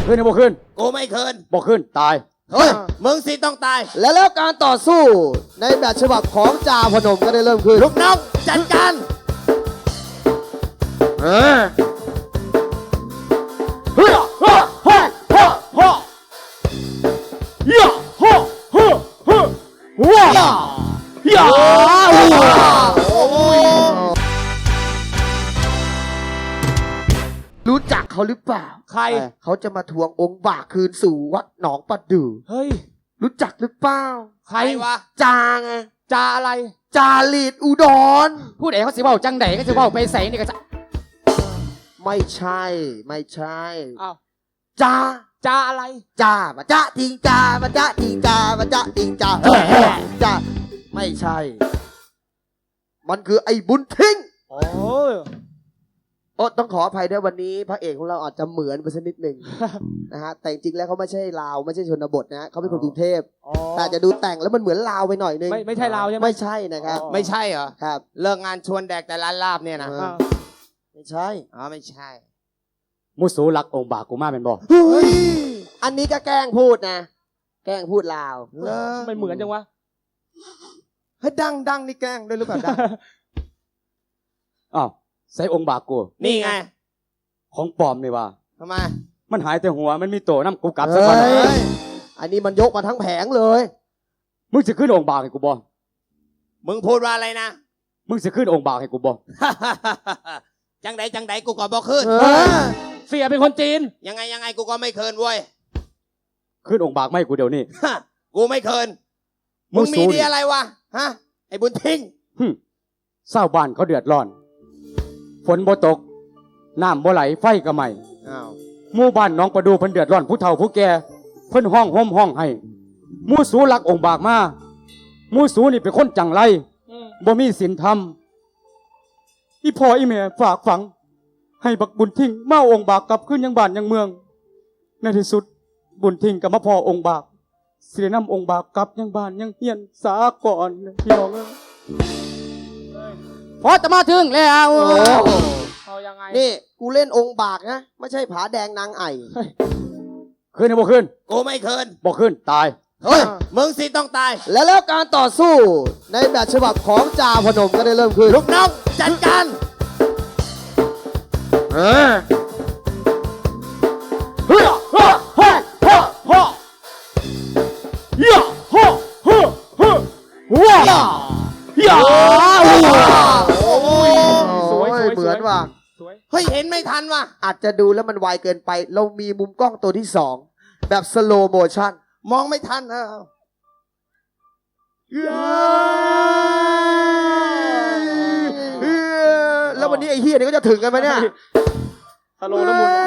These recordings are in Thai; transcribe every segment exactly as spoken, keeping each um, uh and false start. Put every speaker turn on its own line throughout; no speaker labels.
คืนหรือบ่คืน
กูไม่คืน
บ่คืนตาย
เฮ้ย
มึงสิต้องตาย
และแล้วการต่อสู้ในแบบฉบับของจ่าพนมก็ได้เริ่มขึ้น
ลูกน้องจัดการ
เออเฮ้ยฮ่าฮ่าฮ่าฮ่าย่าฮ่าฮ่าฮ่าว้าย่า
โอ้ย
รู้จักเขาหรือเปล่า
ใคร
เขาจะมาทวงองค์บากคืนสู่วัดหนองประดู่
เฮ้ย
รู้จักหรือเปล่า
ใครวะ
จาไง
จาอะไร
จาลีดอุดร
พูดเองเขาสิเว้าจังใดก็สิเว้าไปใส่นี่ก็จะ
ไม่ใช่ ไม่ใช่
อ้าว
จา
จาอะไร
จ้ามาจ้าทิงจ้ามาจ้าทิงจ้ามาจ้าทิงจ้าจ้าไม่ใช่ มันคือไอ้บุญทิ้ง
โอ้ย
โอ้ต้องขออภัยด้วยวันนี้พระเอกของเราอาจจะเหมือนไปสักนิดหนึ่ง นะฮะแต่จริงๆแล้วเขาไม่ใช่ลาวไม่ใช่ชนบทนะฮะเขาเป็นคนกรุงเทพ
อ๋อ
แต่จะดูแต่งแล้วมันเหมือนลาวไปหน่อยนึง
ไม่ไม่ใช่ลาวใช่ไหม
ไม่ใช่นะครับ
ไม่ใช่เหรอ
ครับ
เลิกงานชวนแดกแต่ร้านลาบเนี่ยนะ
เออ ไม่ใช่
อ๋อไม่ใช่
มุสูรักองค์บากกูมาเป็นบ่
เฮ้ยอันนี้ก็แกล้งพูดนะ แกล้งพูดลาว
เลิก
ไม่เหมือนจังวะ
เฮ้ยดังดังนี่แกล้งด้วยหรือเปล่าดัง
อ้าวใส่องค์บากกู
นี่ไง
ของปลอมนี่ว่า
ทำไม
มันหายแต่หัวมันมีโตน้ำกูกลับซะก่อน
เฮ้ยอันนี้มันยกมาทั้งแผงเลย
มึงสิขึ้นองค์บากให้กูบ่
มึงพูดว่าอะไรนะ
มึงสิขึ้นองค์บากให้กูบ่
จังใดจังใดกูก็บอกขึ้น
เออ
เสียเป็นคนจีน
ยังไงยังไงกูก็ไม่เคินเว้ย
ขึ้นองค์บากไม่ให้กูเดี๋ยวนี้
ฮะกูไม่เคิน
มึ
มึ
ง
ง
สู้
มี
ดิ
ดีอะไรวะฮะไอ้บุญทิ้ง
หึเศร้าบ้านเขาเดือดร้อน ฝนบ่ตก น้ำบ่ไหลไฟก็ไหม้
อ้าว
หมู่บ้านหน้องประดูเพิ่นเดือดร้อนผู้เฒ่าผู้แก่เพิ่นห้องห่มห้องให้หมู่สูรักองค์บากมาหมู่สูนี่เป็นคนจังไรบ่มีศีลธรรมอีพ่ออีแม่ฝากฝัง ให้บักบุญทิ้งมาเอาองค์บากกลับขึ้นยังบ้านยังเมือง ในที่สุดบุญทิ้งกับมาพ่อองค์บากสิได้นำองค์บากกลับยังบ้านยังเฮียนสาก่อนพี่น้องเอ้ยพอจะมาถึงแล้ว
โอ้
เอายังไง
นี่กูเล่นองค์บากนะไม่ใช่ผาแดงนางไอ่
ขึ้นหรือบ่ขึ้น
กูไม่เคิน
บ่ขึ้นตาย
เฮ้ย
มึงสิต้องตาย
และแล้วการต่อสู้ในแบบฉบับของจ่าพนมก็ได้เริ่มขึ้น
ลูกน้องจัดการ
เออเฮ้ยฮ่าฮ่าฮ่าฮ่าย่าฮ่าฮ่าฮ่าว้าย่า
โอ้ย
สวยสวย
เหมือนว่า
สวย
เฮ้ยเห็นไม่ทันว่ะ
อาจจะดูแล้วมันไวเกินไป เรามีมุมกล้องตัวที่สองแบบสโลโมชั่น
มองไม่ทันเออ
แล้ววันนี้ไอ้เฮียนี่ก็จะถึงกันไหมเนี่ย
สโลว์น้ำมัน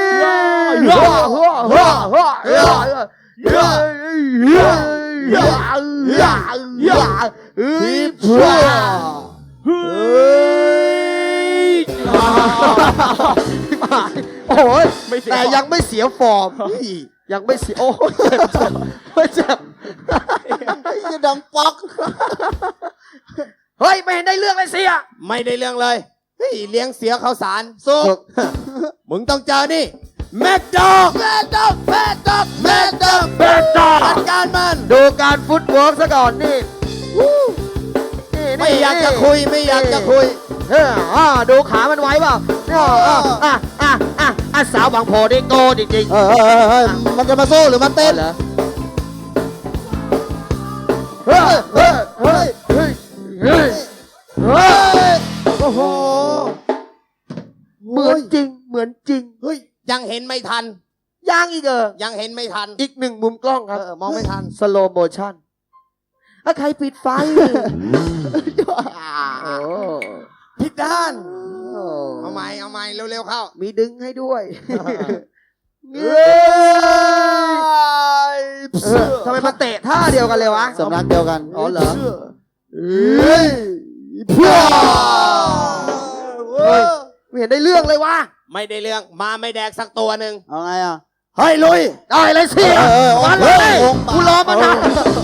โอ้ยแต่ยังไม่เสียฟอร์ม ยังไม่เสีย โอ้ยเจ็บเจ็บไม่เจ็บจะดังป๊อก เฮ้ย ไม่เห็นได้เรื่องเลยเสีย
ไม่ได้เรื่องเลยเฮ้ยเลี้ยงเสียข้าวสารสุก มึงต้องเจอนี่แมดดอกแมดดอกแมดดอกแมดดอกแมดดอกจัดการมัน
ดูการฟุตเวิร์กซะก่อนนี่นี่นี่
ไม่อยากจะคุยไม่อยากจะคุย
เอออ่าดูขามันไว้เปล่าเนี่ยอ่ะอ่ะอ่ะอ่ะอ่ะสาวบางโพได้โกจริงๆ
เออเออเออมันจะมาสู้หรือมาเต้น
เหรอเฮ้ยเฮ้ยเฮ้ยเฮ้ยเฮ้ยเฮ้ย
โอ้โห
เหมือนจริงเหมือนจริง
เฮ้ยยังเห็นไม่ทัน
ย่างอีกเออ
ยังเห็นไม่ทัน
อีกหนึ่งมุมกล้องครับ
เออมองไม่ทัน
สโลโมชั่นถ้าใครปิดไฟโอ้
ผิดด้าน
โอ้
เอาใหม่เอาใหม่เร็วๆเข้า
มีดึงให้ด้วย
เฮ้ย
เออทำไมมันเตะท่าเดียวกันเลยวะ
สำนักเดียวกัน
อ๋อเหรอเฮ้ยเฮ้ยไม่เห็นได้เรื่องเลยวะ
ไม่ได้เรื่องมาไม่แดกสักตัวหนึ่ง
เอาไงอ่ะ
เฮ้ยลุย
ได้เลยสิ
เออเออ
มาเลย
เออ
กูรอมานาน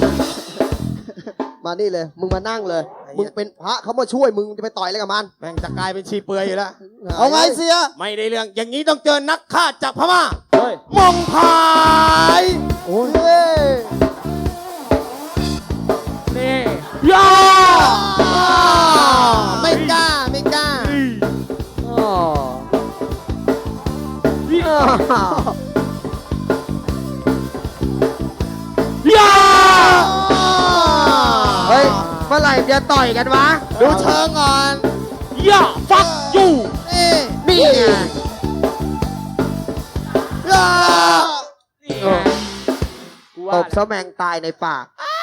มานี่เลย มึงมานั่งเลย มึงเป็นพระเขามาช่วยมึงจะไปต่อยอะไรกับมัน
แม่งจะกลายเป็นชีเปลือยอยู่แล้ว
เอาไงเสีย
ไม่ได้เรื่องอย่างนี้ต้องเจอนักฆ่าจากพม่า
เอ
ย
มองพาย
โอ้ย
นี่
ย่า
ไม่กล้าไม่กล้า
อ๋ออ่า
ย่า
เฮ้ย เมื่อไหร่จะต่อยกันวะ
ดูเชิงก่อน
ย่าฟักยู
นี่
นี่ไง
อ่า
นี่ไงกู
ต
ว่า
บซะแมงตายในปาก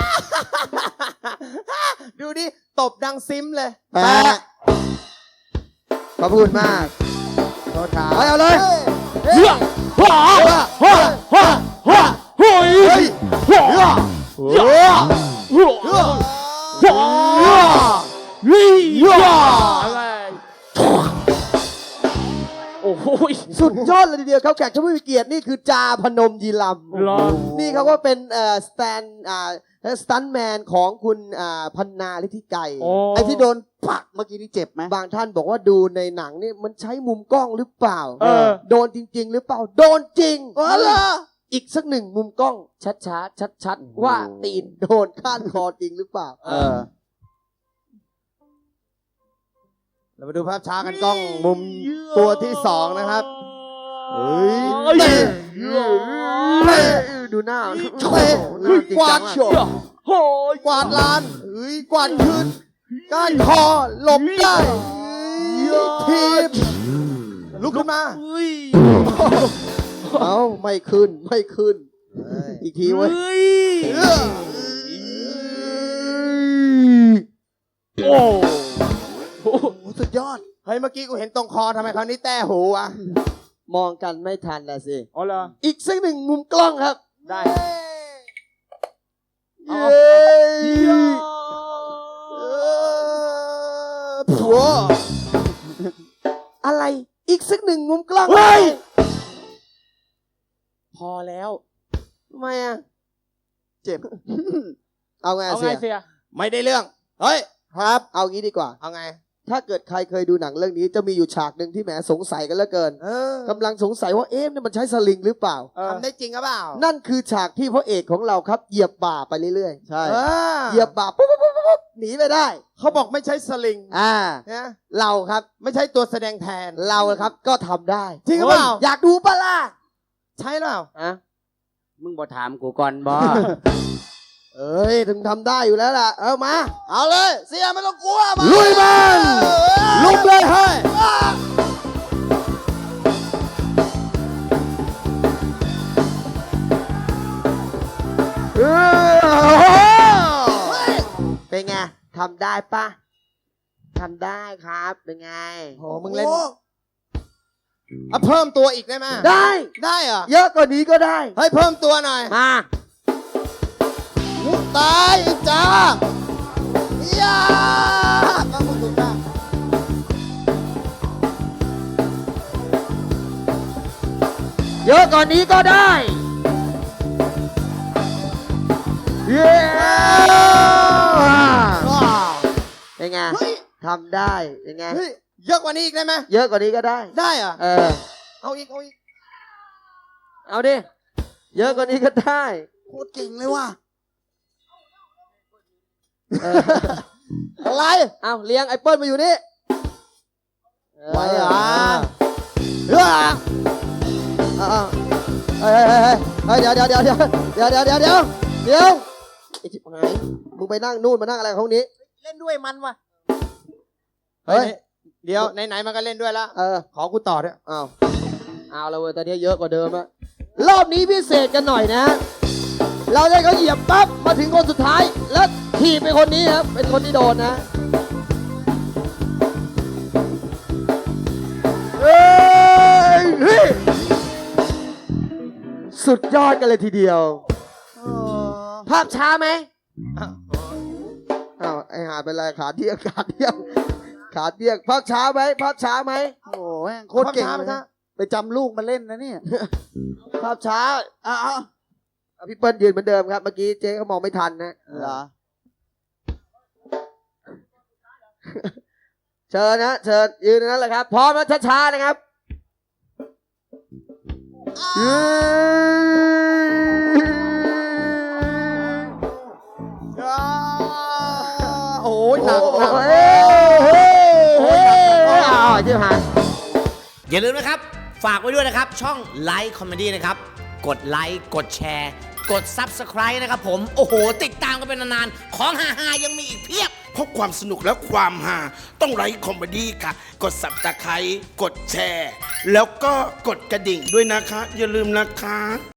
ดูดิตบดังซิมเลย
แปะขอบคุณมาก
โทษครับ
ไปเอาเลย
เฮ้ย
ย่าฮ่าฮ่าฮ่าฮ่าเฮ้ยฮ่าฮ่า
เฮ้ย
ฮ่า
เฮ้ย
ฮ่านี่ย่า
อะไรโอ้โห
สุดยอดเลยทีเดียวครับแขกผู้มีเกียรตินี่คือจาพนมยีลำ
รอ
นี่เขาก็เป็นเอ่อสแตนอ่าสตันแมนของคุณอ่าพันนาฤทธิไกร
โอ้
ไอ้ที่โดนปักเมื่อกี้นี่เจ็บไหมบางท่านบอกว่าดูในหนังนี่มันใช้มุมกล้องหรือเปล่า
เออ
โดนจริง ๆ หรือเปล่า โดนจริง
อ๋อเหรอ
อีกสักหนึ่งมุมกล้อง ชัดๆชัดๆว่าตีนโดนข้านคอจริงหรือเปล่า
เออ เรามาดูภาพช้ากันกล้องมุมตัวที่สองนะครับ เฮ้ย
เฮ้ย
เตะ
ดูหน้า
เตะ
หน้าจริง
กวา
จั
ด
ง
โฉ
อะ
บกวาดลานเฮ้ยกวาดคืนก้านคอหลบได้ทีบลุกขึ้นมา
เอ้าไม่ขึ้นไม่ขึ้น อีกทีเว้ย
เออ
โอ้
โอ้โหสุดยอด เฮ้ย เมื่อกี้กูเห็นตรงคอทำไมคราวนี้แต้หูอ่ะ
มองกันไม่ทันนะสิ
อ๋อเหรอ
อีกสักหนึ่งมุมกล้องครับ
ได้
เย้
เออผัว
อะไรอีกสักหนึ่งมุมกล้อง
เฮ้ย
พอแล้ว
ทำไมอ่ะเจ็บ เอาไง
เอา
เสี
ไง
ย
เสีย
ไม่ได้เรื่อง เฮ้ย
ครับ เอางี้ดีกว่า
เอาไง
ถ้าเกิดใครเคยดูหนังเรื่องนี้จะมีอยู่ฉากหนึ่งที่แหมสงสัยกันเหลือเกิน
เออก
ำลังสงสัยว่าเอ๊ะนี่มันใช้สลิงหรือเปล่า
เออ
ทำได้จริงหรือเปล่า
นั่นคือฉากที่พระเอกของเราครับเหยียบบ่าไปเรื่อยๆ ใช่
เออ
เหยียบบ่าปุ๊บปุ๊บปุ๊บปุ๊บหนีไปได้
เขาบอกไม่ใช่สลิง
อ่า
นะ
เราครับ
ไม่ใช่ตัวแสดงแทน
เราครับก็ทำได้
จริงหรือเปล่า
อยากดูปะล่ะ
ใช่หรือเปล่า
อ่ะ
มึงบ่ถามกูก่อนบ่
เอ้ยถึงทำได้อยู่แล้วล่ะ เอามา
เอาเลย เสียไม่ต้องกลัวมา
ลุยมัน
ลุกเลยเฮ้ย
เป็นไงทำได้ปะทำได้ครับ เป็นไง
โหมึงเล่นเอาเพิ่มตัวอีกได้ไหม
ได้
ได้เหรอ
เยอะกว่านี้ก็ได้
เฮ้ยเพิ่มตัวหน่อย
มา
ตายไอ้จ้าย่ามามึงดูจ้า
เยอะกว่านี้ก็ได้ เย้เป็นไง
เฮ้ย
ทำได้เป็นไง
เฮ้ยเยอะกว่านี้อีกได้ไหม
เยอะกว่านี้ก็ได้
ได้เหรอ
เออ
เอาอีกเอาอีก
เอาดิ เยอะกว่านี้ก็ได้
โคตรเก่งเลยว่ะ
เออ
อะไร
เอาเลี้ยงไอ้เปิ้ลมาอยู่นี่
ไหวเหรอ
เออเอาเอาเฮ้ยเฮ้ยเฮ้ยเฮ้ยเดี๋ยวเดี๋ยวเดี๋ยวเดี๋ยวเดี๋ยวเดี๋ยวเดี๋ยวเดี๋ยวเดี๋ยวไอ้ชิบหายมึงไปนั่งนู่นมานั่งอะไรของนี้
เล่นด้วยมันว่ะ
เฮ้
เฮ้
ย
ยเดี๋ยวไหนๆมันก็เล่นด้วยแล้ว
เออ
ขอกูต่อด้วย
เอาเอาละเว้ยตอนนี้เยอะกว่าเดิมอะรอบนี้พิเศษกันหน่อยนะ เราได้เขาเหยียบปั๊บมาถึงคนสุดท้าย แล้วทีบเป็นคนนี้ครับ เป็นคนที่โดนนะเฮ้ยเฮ้ยสุดยอดกันเลยทีเดียว ภาพช้าไหมอ้าวไอหาเป็นไรขาเที่ยงขาเที่ยงขาเที่ยงภาพช้าไหมภาพช้าไหม
โอ้โห
โคตรเก่งเลยนะ
ไปจำลูกมาเล่นนะเนี่ย
ภาพช้า
อ้าว
เอาพี่เปิ้ลยืนเหมือนเดิมครับ เมื่อกี้เจ๊เขามองไม่ทันนะ
เหรอ
เชิญนะเชิญยืนตรงนั้นแหละครับ พร้อมแล้วช้าๆนะครับ
เโอ้ยหนักหนัก
เฮ้ยเฮ้ยเฮ้ยอ้าวจิ๋วหาย
อย่าลืมนะครับ ฝากไว้ด้วยนะครับ ช่องไลค์คอมเมดี้นะครับ กดไลค์กดแชร์ กด Subscribe นะครับผม โอ้โห ติดตามกันเป็นนานๆ ของฮาๆยังมีอีกเพียบ
เพราะความสนุกและความฮาต้องไลค์คอมเมดี้ค่ะ กดสับตะไคร้กดแชร์ แล้วก็กดกระดิ่งด้วยนะคะ อย่าลืมนะคะ